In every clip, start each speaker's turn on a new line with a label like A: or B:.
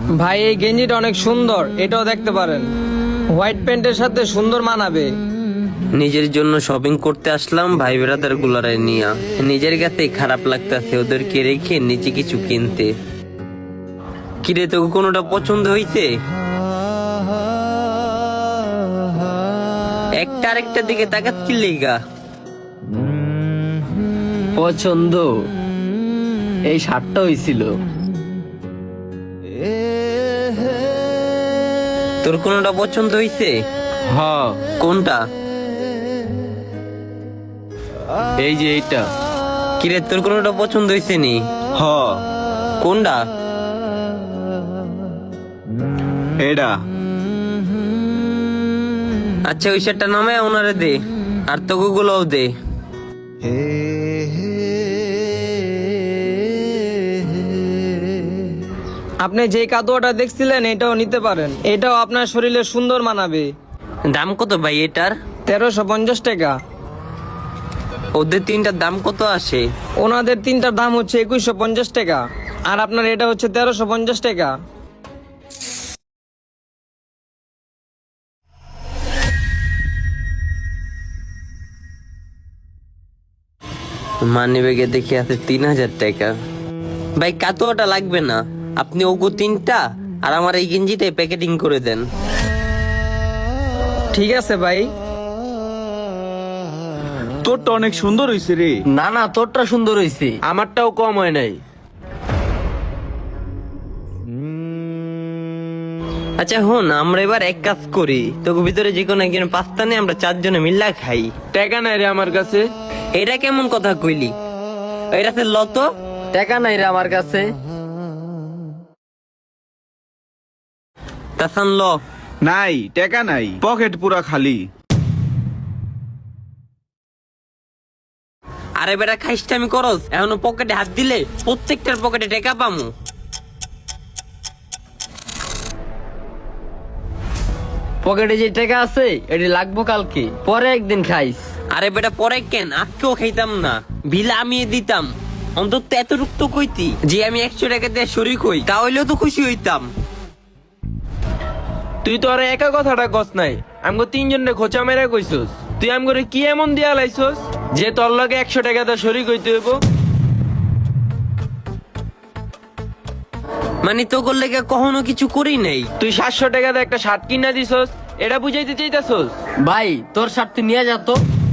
A: ভাই এই গেঞ্জিটা অনেক সুন্দর, এটাও দেখতে পারেন। হোয়াইট প্যান্টের সাথে সুন্দর মানাবে।
B: নিজের জন্য শপিং করতে আসলাম ভাই ব্রাদার গুলারে নিয়া, নিজের কাছে খারাপ লাগতেছে ওদেরকে রেখে নিজে কিছু কিনতে। কিরে তোকে কোনোটা পছন্দ হইছে? একটা আরেকটার দিকে তাকাচ্ছি লেগা।
C: পছন্দ এই শার্টটা হইছিল।
B: তোর কোনোটা পছন্দ হইছে?
C: হ,
B: কোনটা?
C: এই যে এইটা।
B: কিরে তোর কোনোটা পছন্দ হইছে নি?
C: হ,
B: কোনটা?
C: এটা।
B: আচ্ছা ওই শার্টটা নামে ওনারে দে, আর তোকে গুলোও দে।
A: আপনি যে কাদুয়াটা দেখছিলেন এটাও নিতে পারেন, এটাও আপনার শরীরে সুন্দর মানাবে।
B: দাম কত ভাই এটার?
A: 1350 টাকা।
B: ওদের তিনটার দাম কত আসে?
A: ওনাদের তিনটার দাম হচ্ছে 2150 টাকা, আর আপনার এটা হচ্ছে 1350 টাকা।
B: মানি ব্যাগে দেখে আছে 3000 টাকা। ভাই কাতোয়াটা লাগবে না, আপনি ওগো তিনটা আর আমার এই গেঞ্জিটাই প্যাকেটিং করে দেন।
A: ঠিক আছে ভাই।
C: তোরটা অনেক সুন্দর হইছে রে।
D: না না, তোরটা সুন্দর হইছে, আমারটাও কম হয় নাই।
B: আচ্ছা হন, আমরা এবার এক কাজ করি, তোকে ভিতরে যে কোনো একজন পাস্তা নিয়ে আমরা চারজনে মিল্লা খাই।
D: টাকা নাই রে আমার কাছে।
B: এটা কেমন কথা কইলি? এটাতে লত।
D: টাকা নাই রে আমার কাছে।
B: তাসান ল।
C: নাই, টাকা নাই, পকেট পুরা খালি।
B: আরে বেটা খাইসটা আমি করস, এখনো পকেটে হাত দিলে প্রত্যেকটার পকেটে টাকা পামু।
D: পকেটে যে টাকা আছে এটি লাগবো কালকে, পরে একদিন খাইস।
B: আরে বেটা পরে কেন, আজকেও খাইতাম না, বিল আমি দিতাম। অন্তত এতটুক তো কইতি যে আমি 100 টাকা দিয়ে শরিক হই, তাহলেও তো খুশি হইতাম।
D: তুই তো আর একা কথাটা কস নাই, আমগো তিনজনে খোঁচা মেরে কইছস। তুই আমগরে কি এমন দিয়া লাইছস যে তোর লগে 100 টাকা দা শরিক হইতে হইব?
B: মানে তো করলে কখনো কিছু করি নাই।
D: তুই 700 টাকা দা একটা শার্ট কিনা দিছস, এটা বুঝাইতে চাইতাছস? ভাই তোর শার্ট তুই নিয়ে যা তো।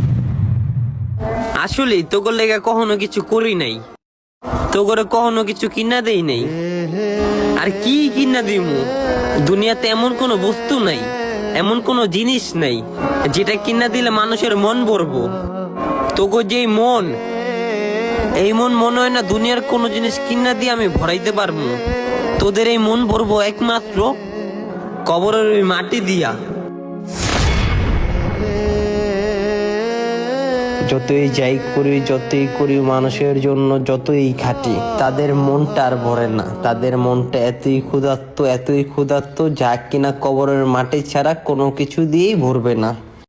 B: আসলে তো করলে কখনো কিছু করি নাই, তো করে কখনো কিছু কিনা দেই নাই। আর কি কিনা দিমু? দুনিয়াতে এমন কোনো বস্তু নাই, এমন কোনো জিনিস নাই যেটা কিনা দিলে মানুষের মন ভরবো। তোকে যে মন, এই মন মনে হয় না দুনিয়ার কোনো জিনিস কিনা দিয়ে আমি ভরাইতে পারবো। তোদের এই মন ভরবো একমাত্র কবরের ওই মাটি দিয়া। যতই যাই করি, যতই করি মানুষের জন্য, যতই খাটি, তাদের মনটা আর ভরে না। তাদের মনটা এতই ক্ষুধার্ত, এতই ক্ষুধার্ত, যা কিনা কবরের মাটি ছাড়া কোনো কিছু দিয়েই ভরবে না।